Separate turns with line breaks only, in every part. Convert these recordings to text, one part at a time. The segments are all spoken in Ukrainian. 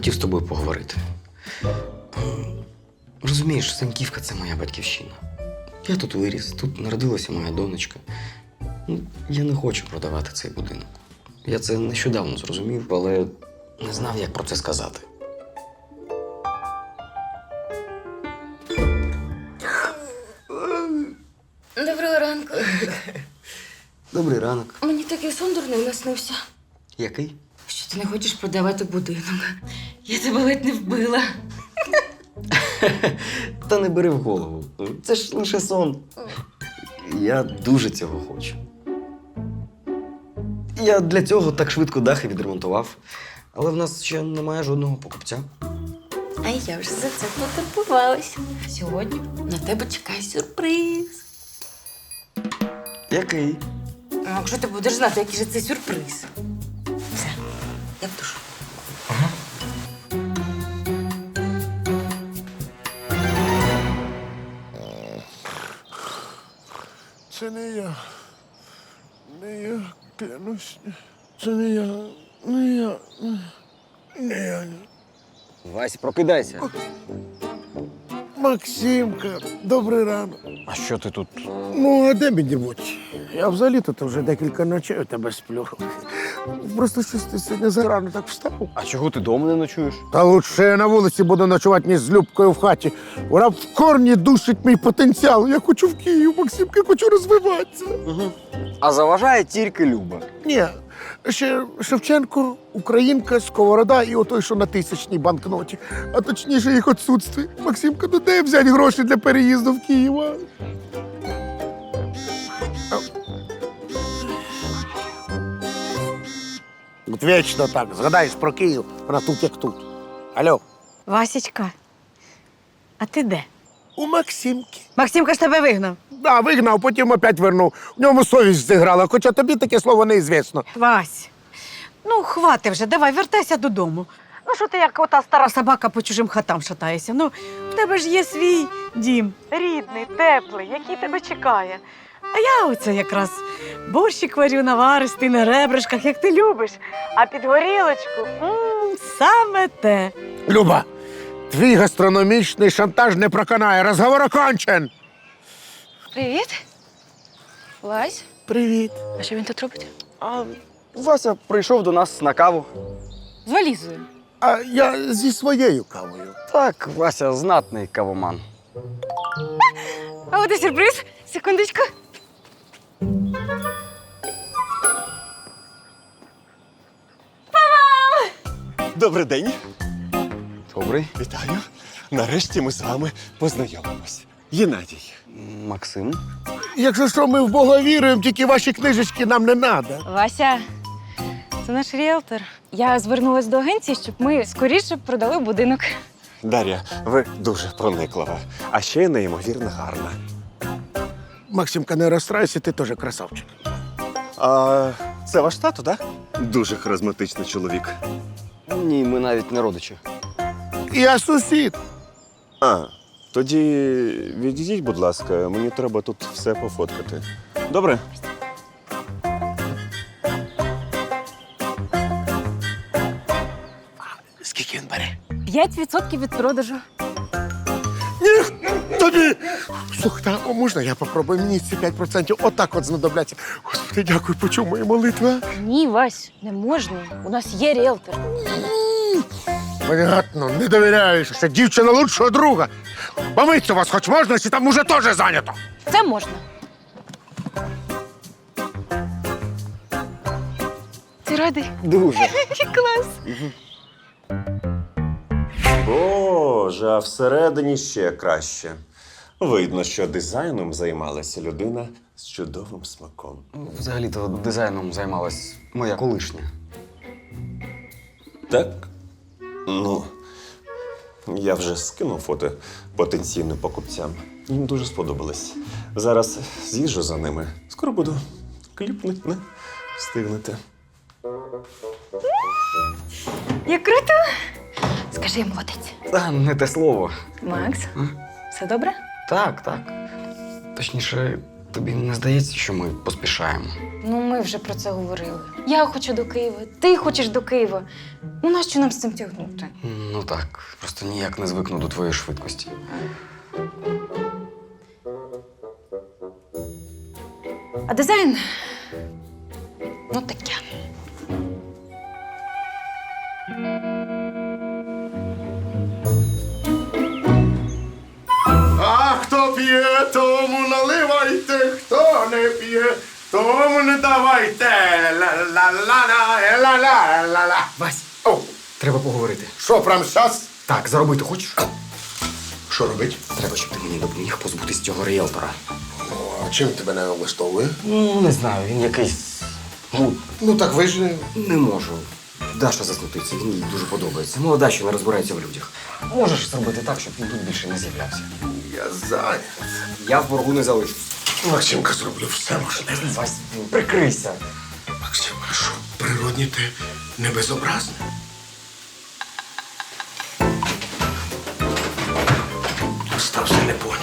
хотів з тобою поговорити. Розумієш, Саньківка – це моя батьківщина. Я тут виріс, тут народилася моя донечка. Я не хочу продавати цей будинок. Я це нещодавно зрозумів, але не знав, як про це сказати.
Доброго ранку.
Добрий ранок.
Мені такий сон дурний наснився.
Який?
Що ти не хочеш продавати будинок? Я тебе ледь не вбила.
Та не бери в голову. Це ж лише сон. Я дуже цього хочу. Я для цього так швидко дахи відремонтував. Але в нас ще немає жодного покупця.
А я вже за це потурбувалась. Сьогодні на тебе чекає сюрприз.
Який?
Ну, якщо ти будеш знати, який же це сюрприз. Все, я в душу.
Це не я. Не я, клянусь. Це не я. Не я. Не я.
Вась, прокидайся.
Максимка, добрий ранок.
А що ти тут?
Ну, а де мені бути? Я взагалі тут вже декілька ночей у тебе сплю. Просто щось ти сьогодні зарано так встав.
А чого ти дома не ночуєш?
Та лучше я на вулиці буду ночувати, ніж з Любкою в хаті. Вона в корні душить мій потенціал. Я хочу в Київ, Максимка, хочу розвиватися.
А заважає тільки Люба.
Ні, ще Шевченко, Українка, Сковорода і отой, що на 1000-ній банкноті. А точніше їх відсутстві. Максимка, ну де взяти гроші для переїзду в Київ? А? От вічно так, згадаєш про Київ, вона тут як тут. Алло.
Васечка, а ти де?
У Максимки.
Максимка ж тебе вигнав.
Да, вигнав, потім опять вернув. В ньому совість зіграла, хоча тобі таке слово неізвісно.
Вась, ну хвати вже, давай, вертайся додому. Ну що ти як ота стара собака по чужим хатам шатаєшся? Ну, в тебе ж є свій дім. Рідний, теплий, який тебе чекає. А я оце якраз борщик варю наваристий на ребришках, як ти любиш. А під горілочку саме те.
Люба, твій гастрономічний шантаж не проканає. Розговор окончен.
Привіт. Вась,
Привіт.
а що він тут робить?
А Вася прийшов до нас на каву.
З валізою.
А я зі своєю кавою.
Так, Вася знатний кавоман.
А от і сюрприз. Секундочку.
Добрий день.
Добрий.
Вітаю. Нарешті ми з вами познайомимось. Геннадій.
Максим.
Якщо що, ми в Бога віруємо, тільки ваші книжечки нам не треба.
Вася, це наш ріелтор. Я звернулась до агенції, щоб ми скоріше продали будинок.
Дар'я, ви дуже прониклива, а ще неймовірно гарна.
Максимка, не розстраюйся, ти теж красавчик.
А це ваш тато, так? Дуже харизматичний чоловік.
Ні, ми навіть не родичі.
Я сусід.
А, тоді відійдіть, будь ласка, мені треба тут все пофоткати. Добре?
Скільки він бере?
5% від продажу.
Ні, тобі! Слухай, а можна я попробую? Мені ці 5% отак от знадобляться. Господи, дякую, почув мої молитви.
Ні, Вась, не можна. У нас є ріелтор.
Понятно, не довіряєш. Ще дівчина лучшого друга. Помиться вас хоч можна, чи там уже теж зайнято?
Це можна. Ти радий?
Дуже.
Клас.
Боже, а всередині ще краще. Видно, що дизайном займалася людина з чудовим смаком.
Взагалі-то дизайном займалась моя колишня.
Так? Ну, я вже скинув фото потенційним покупцям. Їм дуже сподобалось. Зараз з'їжджу за ними. Скоро буду кліпнуть, не встигнете.
Як круто. Скажи, молодець.
Та не те слово.
Макс, все добре?
Так, так. Точніше, тобі не здається, що ми поспішаємо?
Ну, ми вже про це говорили. Я хочу до Києва, ти хочеш до Києва. Ну, нащо нам з цим тягнути?
Ну так, просто ніяк не звикну до твоєї швидкості.
А дизайн? Ну, таке.
А хто п'є, тому наливайте, хто не п'є, тому не давайте. Ла-ла-ла-ла-ла-ла-ла.
Вась,
О,
треба поговорити.
що, прям щас?
Так, заробити хочеш?
Що робить?
Треба, щоб ти мені допоміг позбутись цього ріелтора.
А чим тебе не влаштовує?
Ну, не знаю, він якийсь.
Ну так ви ж
Не можу. Даша засмутиться, він їй дуже подобається. Молода, що не розбирається в людях. Можеш зробити так, щоб він тут більше не з'являвся.
я зайнят.
Я в боргу не залишусь.
Максимка, зроблю все можливе.
Вась, прикрийся.
Максим, а що, природні ти не безобразний? Остався не понят.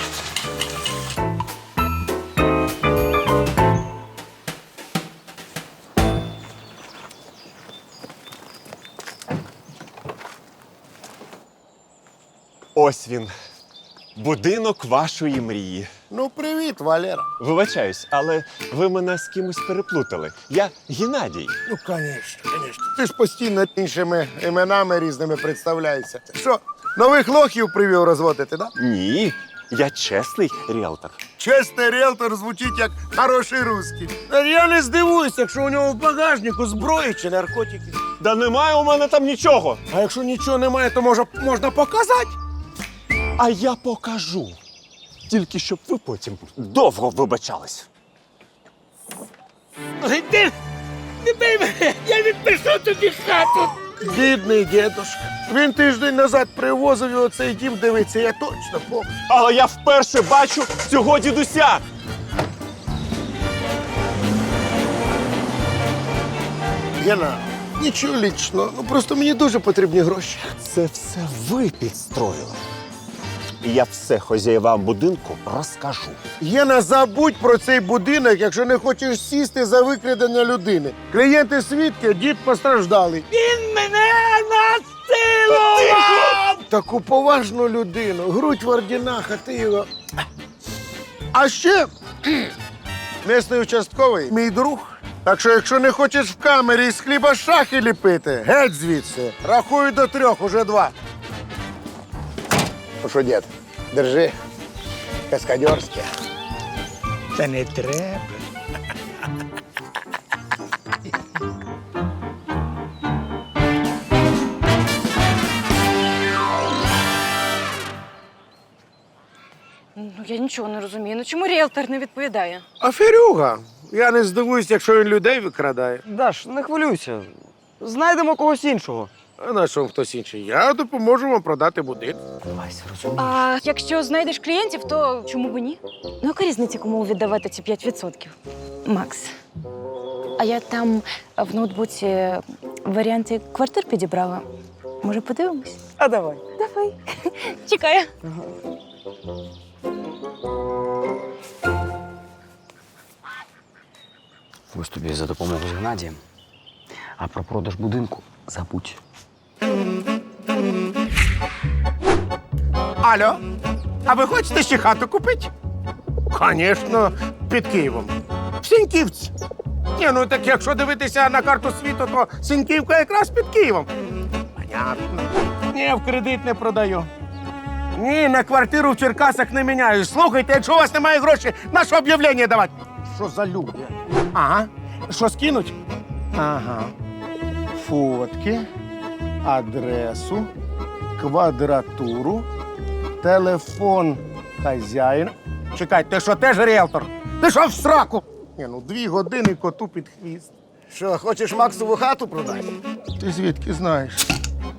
Ось він. Будинок вашої мрії.
Ну, привіт, Валера.
Вибачаюсь, але ви мене з кимось переплутали. Я Геннадій.
Ну, звісно. Ти ж постійно іншими іменами різними представляєшся. Що, нових лохів привів розводити, да?
Ні, я чесний ріелтор.
Чесний ріелтор звучить як хороший русський. Я не здивуюсь, якщо у нього в багажнику зброї чи наркотики.
Да немає у мене там нічого.
А якщо нічого немає, то можна показати.
А я покажу. Тільки щоб ви потім довго вибачались.
Ти не бий мене, я відпишу тобі хату. Бідний дідушка. Він тиждень назад привозив його цей дім дивитися, я точно помню.
Але я вперше бачу цього дідуся.
Гена, нічого лічного, ну просто мені дуже потрібні гроші.
Це все ви підстроїли. І я все хазяєвам будинку розкажу.
Гена, забудь про цей будинок, якщо не хочеш сісти за викрадення людини. Клієнти свідки, дід постраждалий. Він мене насилував! Таку поважну людину, грудь в орденах, а ти його... А ще місний участковий, мій друг. Так що, якщо не хочеш в камері з хліба шахи ліпити, геть звідси. Рахую до 3, уже 2. Ну що, дід, держи. Каскадерське. Та не треба.
Ну, я нічого не розумію. Ну чому ріелтор не відповідає?
Аферюга. Я не здивуюсь, якщо він людей викрадає.
Даш, не хвилюйся. Знайдемо когось іншого.
А на що хтось інший? Я допоможу вам продати будинок.
Вась, розумієш?
А якщо знайдеш клієнтів, то чому б ні? Ну, яка різниця, кому віддавати ці 5%? Макс, а я там в ноутбуці варіанти квартир підібрала. Може, подивимось?
А давай.
Давай. Чекаю.
Ось тобі за допомогу з Геннадієм. А про продаж будинку забудь.
Алло, а ви хочете ще хату купити? Звісно, під Києвом. В Сіньківці. Ні, ну так якщо дивитися на карту світу, то Сіньківка якраз під Києвом. Понятно. Ні, в кредит не продаю. Ні, на квартиру в Черкасах не міняю. Слухайте, якщо у вас немає грошей, на що об'явлення давати? Що за люди? Ага. Що скинуть? Ага. Фотки, адресу, квадратуру, телефон хазяїна. Чекай, ти що, теж ріелтор? Ти що в сраку? Ні, ну 2 години коту під хвіст.
Що, хочеш Максову хату продати?
Ти звідки знаєш?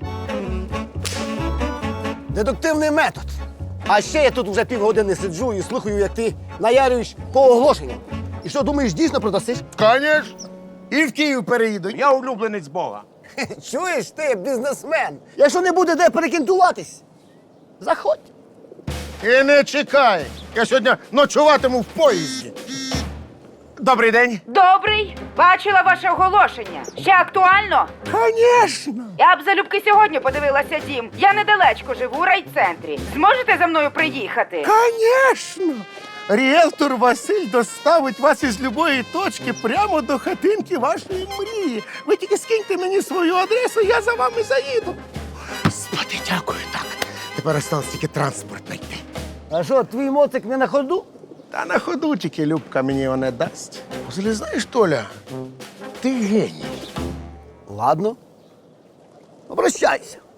Дедуктивний метод. А ще я тут вже півгодини сиджу і слухаю, як ти наярюєш по оголошенням. І що, думаєш, дійсно продасиш?
Конечно. І в Київ переїду. Я улюбленець Бога.
Чуєш ти, бізнесмен? Якщо не буде де перекінтуватись, заходь.
І не чекай. Я сьогодні ночуватиму в поїзді. Добрий день.
Добрий. Бачила ваше оголошення. Ще актуально?
Звісно.
Я б залюбки сьогодні подивилася дім. Я недалечко живу у райцентрі. Зможете за мною приїхати?
Звісно. Ріелтор Василь доставить вас із любої точки прямо до хатинки вашої мрії. Ви тільки скиньте мені свою адресу, я за вами заїду. Господи, дякую, так. Тепер осталось тільки транспорт знайти.
А що, твій моцик не на ходу?
Та на ходу тільки Любка мені його не дасть. Взагалі, знаєш, Толя, ти геній.
Ладно. Обращайся.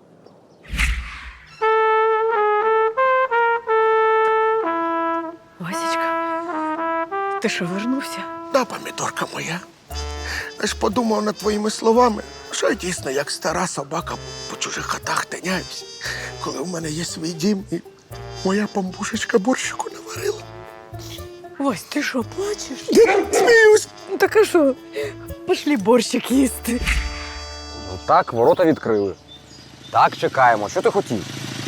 Васечка, ти що, вернувся?
Да, помідорка моя. Я ж подумав над твоїми словами, що я дійсно як стара собака по чужих хатах тиняюсь, коли в мене є свій дім і моя памбушечка борщику наварила.
Вась, ти що, плачеш?
Сміюсь.
Ну так а що? Пошли борщик їсти.
Ну так, ворота відкрили. Так, чекаємо. Що ти хотів?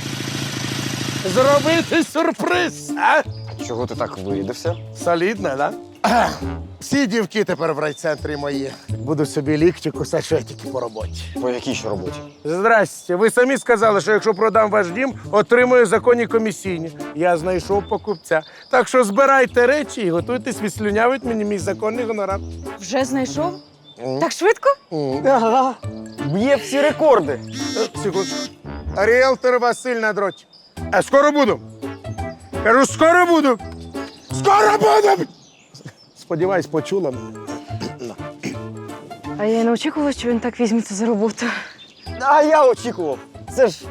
Зробити сюрприз, а?
Чого ти так вирядився?
Солідно, да? Всі дівки тепер в райцентрі мої. Буду собі лікті кусати, що я тільки по роботі.
По якій ще роботі?
Здрасте. Ви самі сказали, що якщо продам ваш дім, отримую законні комісійні. Я знайшов покупця. Так що збирайте речі і готуйтесь відслюнявити мені мій законний гонорар.
Вже знайшов? Так швидко?
Ага. Б'є всі рекорди.
Секундочку. Ріелтор Василь на дроті. Скоро буду. Кажу, скоро буду. Скоро буду! Сподіваюсь, почула мене.
А я й не очікувала, що він так візьметься за роботу.
А я очікував. Це ж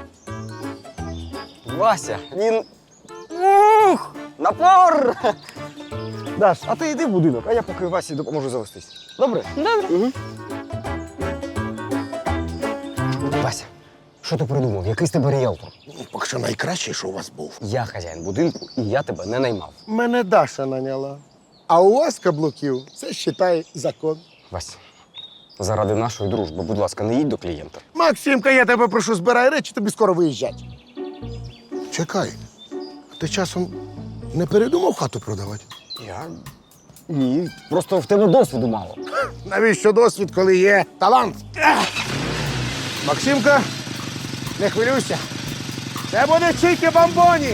Вася. Він. Ух! Напор! Даш, а ти йди в будинок, а я поки Васі допоможу завестись. Добре?
Добре.
Угу. Вася, що ти придумав? Який з тебе ріелтор?
Поки що найкращий, що у вас був.
Я хазяїн будинку, і я тебе не наймав.
Мене Даша наняла. А у вас каблуків це вважає закон.
Вася, заради нашої дружби, будь ласка, не їдь до клієнта.
Максимка, я тебе прошу, збирай речі, тобі скоро виїжджати. Чекай, ти часом не передумав хату продавати?
Я? Ні, просто в тебе досвіду мало.
Навіщо досвід, коли є талант? Максимка, не хвилюйся. Це буде чікі бомбоні.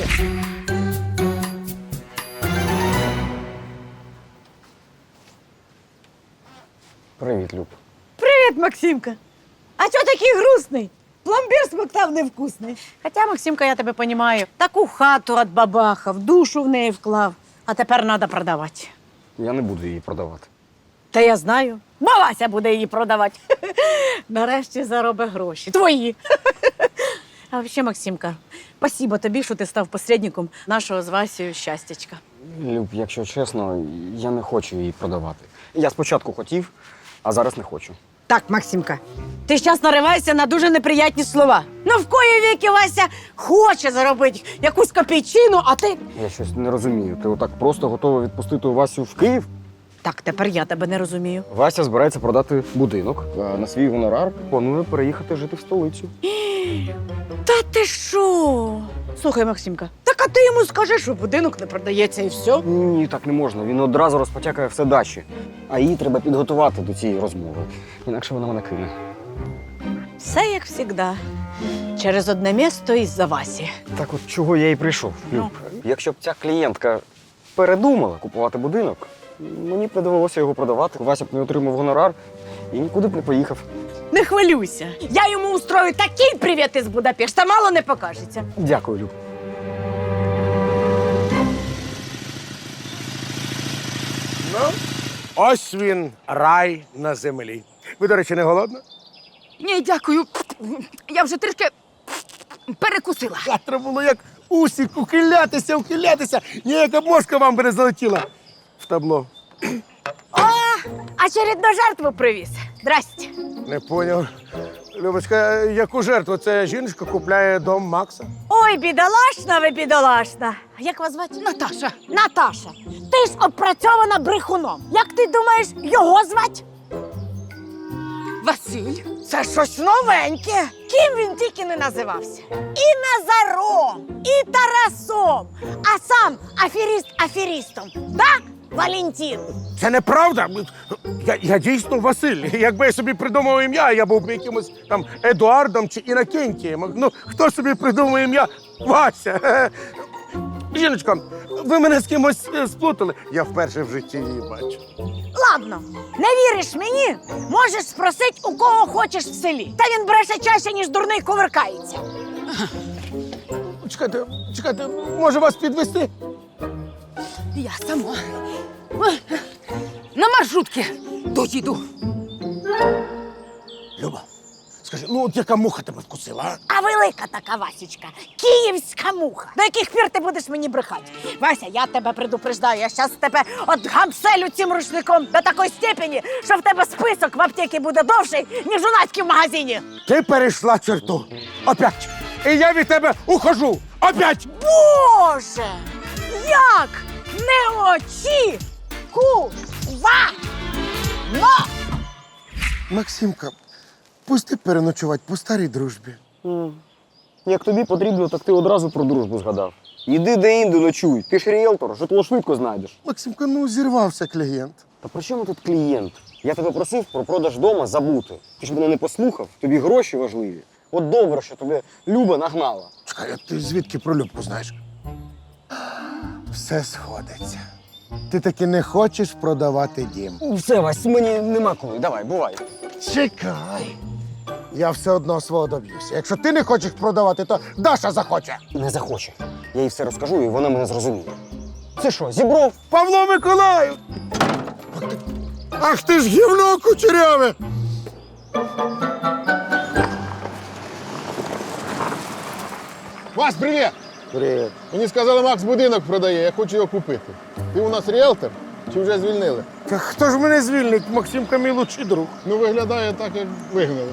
Привіт, Люб.
Привіт, Максимка. А чого такий грустний? Пломбір смоктав невкусний. Хоча, Максимка, я тебе понімаю. Таку хату від бабаха, в душу в неї вклав. А тепер треба продавати.
Я не буду її продавати.
Та я знаю. Вася буде її продавати. Нарешті заробить гроші. Твої. А взагалі, Максимка, спасибо тобі, що ти став посередником нашого з Васею щастячка.
Люб, якщо чесно, я не хочу її продавати. Я спочатку хотів, а зараз не хочу.
Так, Максимка, ти зараз нариваєшся на дуже неприятні слова. Ну, в кої віки Вася хоче заробити якусь копійчину, а ти...
Я щось не розумію. Ти отак просто готова відпустити Васю в Київ?
Так, тепер я тебе не розумію.
Вася збирається продати будинок. А на свій гонорар планує переїхати жити в столицю.
Та ти що? Слухай, Максимка, так а ти йому скажи, що будинок не продається і все.
Ні, так не можна. Він одразу розпотякає все дачі. А її треба підготувати до цієї розмови. Інакше вона мене кине.
Все як завжди. Через одне місто із-за Васі.
Так от чого я і прийшов. Люб, якщо б ця клієнтка передумала купувати будинок, мені б не довелося його продавати. Вася б не отримав гонорар і нікуди б не поїхав.
Не хвилюйся. Я йому устрою такий привіт із Будапешта, мало не покажеться.
Дякую, Люб.
Ну, ось він, рай на землі. Ви, до речі, не голодна?
Ні, дякую. Я вже трішки перекусила.
Завтра було як усік, ухилятися. Ніяка мошка вам би не залетіла в табло.
Очередну жертву привіз. Здрасте.
Не поняв. Любочка, яку жертву? Це жіночка купляє дом Макса?
Ой, бідолашна ви, бідолашна. А як вас звати?
Наташа.
Наташа, ти ж опрацьована брехуном. Як ти думаєш, його звати?
Василь.
Це щось новеньке. Ким він тільки не називався. і Назаром, і Тарасом, а сам аферіст аферістом. Да, Валентин?
Це неправда. Я дійсно Василь. Якби я собі придумав ім'я, я був би якимось там Едуардом чи Інокентієм. Ну, хто собі придумав ім'я? Вася. Жіночка, ви мене з кимось сплутали. Я вперше в житті її бачу.
Ладно, не віриш мені? Можеш спросити, у кого хочеш в селі. Та він бреше чаще, ніж дурний кувиркається.
Чекайте, може вас підвести?
Я сама. На маршрутки доїду.
Люба, скажи, ну от яка муха тебе вкусила, а?
А велика така Васічка, київська муха. До яких пір ти будеш мені брехати? Вася, я тебе предупреждаю, я щас тебе от гамселю цим рушником до такої степені, що в тебе список в аптеці буде довший, ніж у Надьки в магазині.
Ти перейшла черту. Опять. І я від тебе ухожу. Опять.
Боже! Як неочікувано!
Максимка, пусти переночувати по старій дружбі.
Як тобі потрібно, так ти одразу про дружбу згадав. Іди де-інде ночуй. Ти ж ріелтор, житло швидко знайдеш.
Максимка, ну зірвався клієнт.
Та при чому тут клієнт? Я тебе просив про продаж дома забути. Ти ж мене не послухав, тобі гроші важливі. От добре, що тебе Люба нагнала.
Чекай, а ти звідки про Любку знаєш? Все сходиться. Ти таки не хочеш продавати дім.
Все, Вась, мені нема коли. Давай, бувай.
Чекай. Я все одно свого доб'юся. Якщо ти не хочеш продавати, то Даша захоче.
Не захоче. Я їй все розкажу, і вона мене зрозуміє. Це що, зібров?
Павло Миколаїв! Ах ти ж гівно кучеряве!
Вась, привіт!
Привіт.
Мені сказали, Макс будинок продає, я хочу його купити. Ти у нас ріелтор чи вже звільнили?
Та хто ж мене звільнить? Максимка мій лучший друг.
Ну, виглядає так, як вигнали.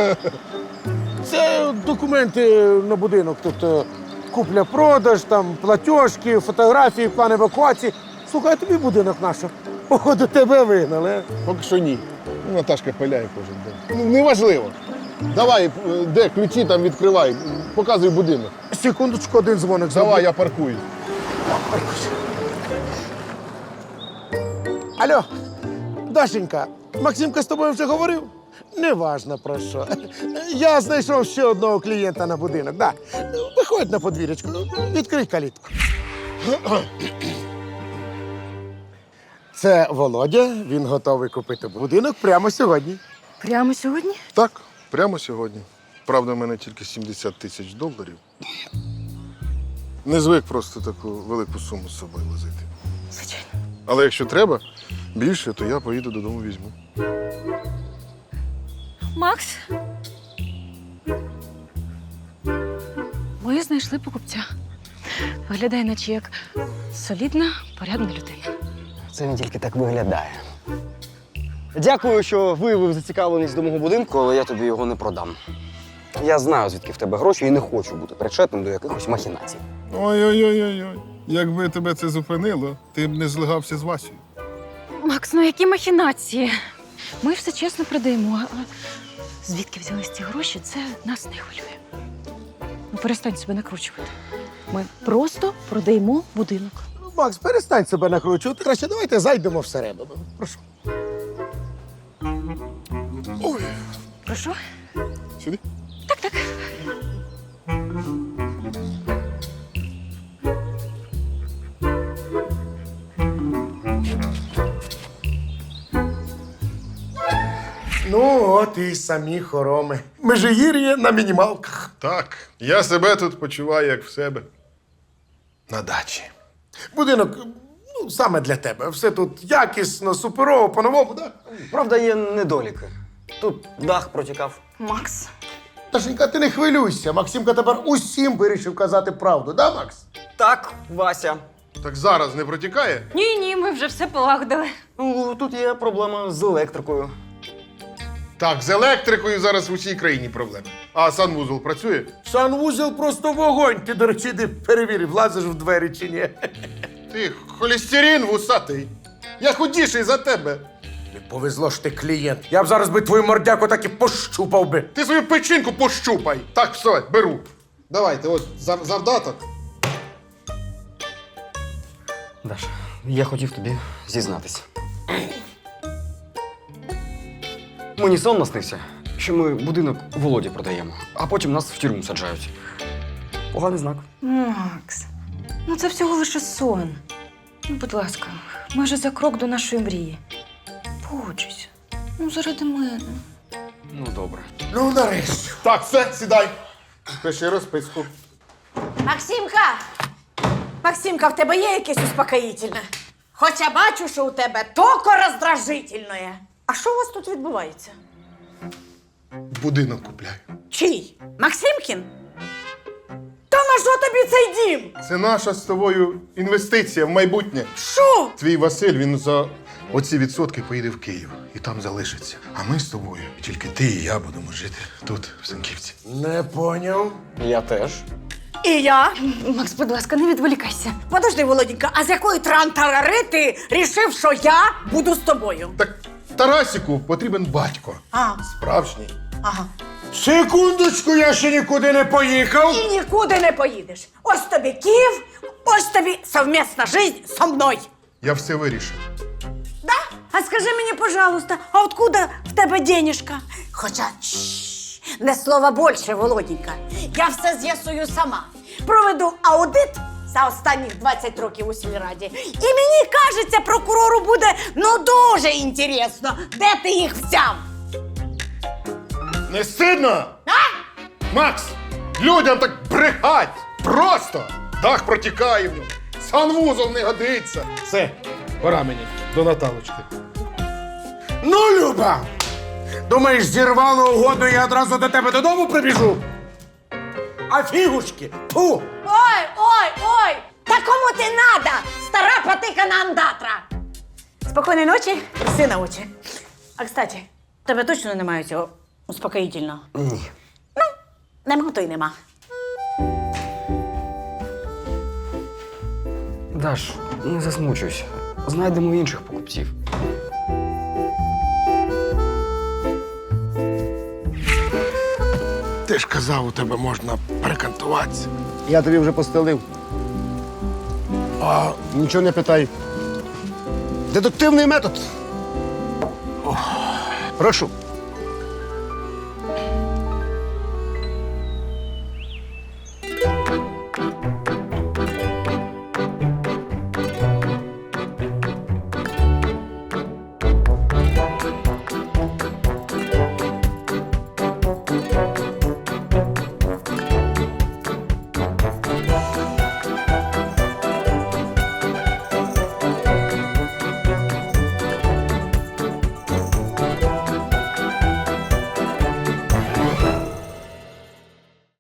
Це документи на будинок. Тобто купля-продаж, там платіжки, фотографії, план евакуації. Слухай, а тобі будинок наш. Походу, тебе вигнали. а?
Поки що ні. Ну, Наташка пиляє кожен день. Ну, неважливо. Давай, де ключі там відкривай, показуй будинок.
Секундочку, один дзвоник.
Давай, я паркую.
Алло, Дашенька, Максимка з тобою вже говорив? Неважно про що. Я знайшов ще одного клієнта на будинок. Да. Виходь на подвір'ячку, відкрий калітку. Це Володя, він готовий купити будинок прямо сьогодні.
Прямо сьогодні?
Так, прямо сьогодні. Правда, в мене тільки 70 тисяч доларів. Не звик просто таку велику суму з собою возити.
Звичайно.
Але якщо треба більше, то я поїду додому візьму.
Макс. Ми знайшли покупця. Виглядає, наче як солідна, порядна людина.
Це він тільки так виглядає. Дякую, що виявив зацікавленість до мого будинку, але я тобі його не продам. Я знаю, звідки в тебе гроші, і не хочу бути причетним до якихось махінацій.
Ой-ой-ой-ой. Якби тебе це зупинило, ти б не злигався з Васею.
Макс, ну які махінації? Ми все чесно продаємо. А звідки взялись ці гроші, це нас не хвилює. Ну, перестань себе накручувати. Ми просто продаємо будинок.
Макс, перестань себе накручувати. Краще давайте зайдемо всередину. Прошу.
Ой,
Прошу?
сюди.
Так.
Ну, от і самі хороми. Межигір'я на мінімалках.
Так, я себе тут почуваю, як в себе. На дачі.
Будинок, ну, саме для тебе. Все тут якісно, суперово, по-новому, так?
Правда, є недоліки. Тут дах протікав.
Макс.
Ташенька, ти не хвилюйся. Максимка тепер усім вирішив казати правду, да, Макс?
Так, Вася.
Так зараз не протікає?
Ні, ми вже все полагодили.
Ну, тут є проблема з електрикою.
Так, з електрикою зараз в усій країні проблеми. А санвузол працює?
Санвузел просто вогонь. Ти, до речі, не перевірив, влазиш в двері чи ні.
Ти холестерин вусатий. Я худіший за тебе.
Не повезло ж ти клієнт. Я б зараз би твою мордяку так і пощупав би.
Ти свою печінку пощупай. Так, все, беру. Давайте, от завдаток.
Даша, я хотів тобі зізнатися. Мені сон наснився, що ми будинок Володі продаємо, а потім нас в тюрму саджають. Поганий знак.
Макс, ну це всього лише сон. Ну, будь ласка, майже за крок до нашої мрії. Погоджуйся. Ну, заради мене.
Ну, добре.
Ну, нарешті. Так, все, сідай. Пиши розписку.
Максимка! Максимка, в тебе є якесь успокоїтельне? Хоча бачу, що у тебе токо роздражительне. А що у вас тут відбувається?
Будинок купляю.
Чий? Максимкін? Та на що тобі цей дім?
Це наша з тобою інвестиція в майбутнє.
Що?
Твій Василь, він за оці відсотки поїде в Київ і там залишиться. А ми з тобою, тільки ти і я будемо жити тут, в Сенківці.
Не поняв.
Я теж.
І я?
Макс, будь ласка, не відволікайся.
Подожди, Володінька, а з якої трантарари ти рішив, що я буду з тобою?
Так Тарасіку потрібен батько.
А,
Справжній.
ага.
Секундочку, я ще нікуди не поїхав.
І нікуди не поїдеш. Ось тобі Київ, ось тобі совмісна життя со мною.
Я все вирішив.
Да? А скажи мені, пожалуйста, а откуда в тебе денежка? Хоча, не слова більше, Володінька. Я все з'ясую сама. Проведу аудит за останніх 20 років у сільраді. І мені кажеться, прокурору буде дуже інтересно, де ти їх взяв.
Не стидно?
А?
Макс, людям так брехать! Просто! Дах протікає в ньому. Санвузол не годиться. Все, пора мені до Наталочки.
Ну, Люба! Думаєш, зірвало угоду і я одразу до тебе додому прибіжу? А фігушки? Ту!
Ой, ой, ой! Та кому ти надо, стара потикана андатра? Спокійної ночі, сина очі. А, кстати, в тебе точно немає цього успокоїтельного?
Ні.
Нема, то й нема.
Даш, не засмучуйся. Знайдемо інших покупців.
Ти ж казав, у тебе можна перекантуватися.
Я тобі вже постелив.
А
Нічого не питай. Дедуктивний метод. Прошу.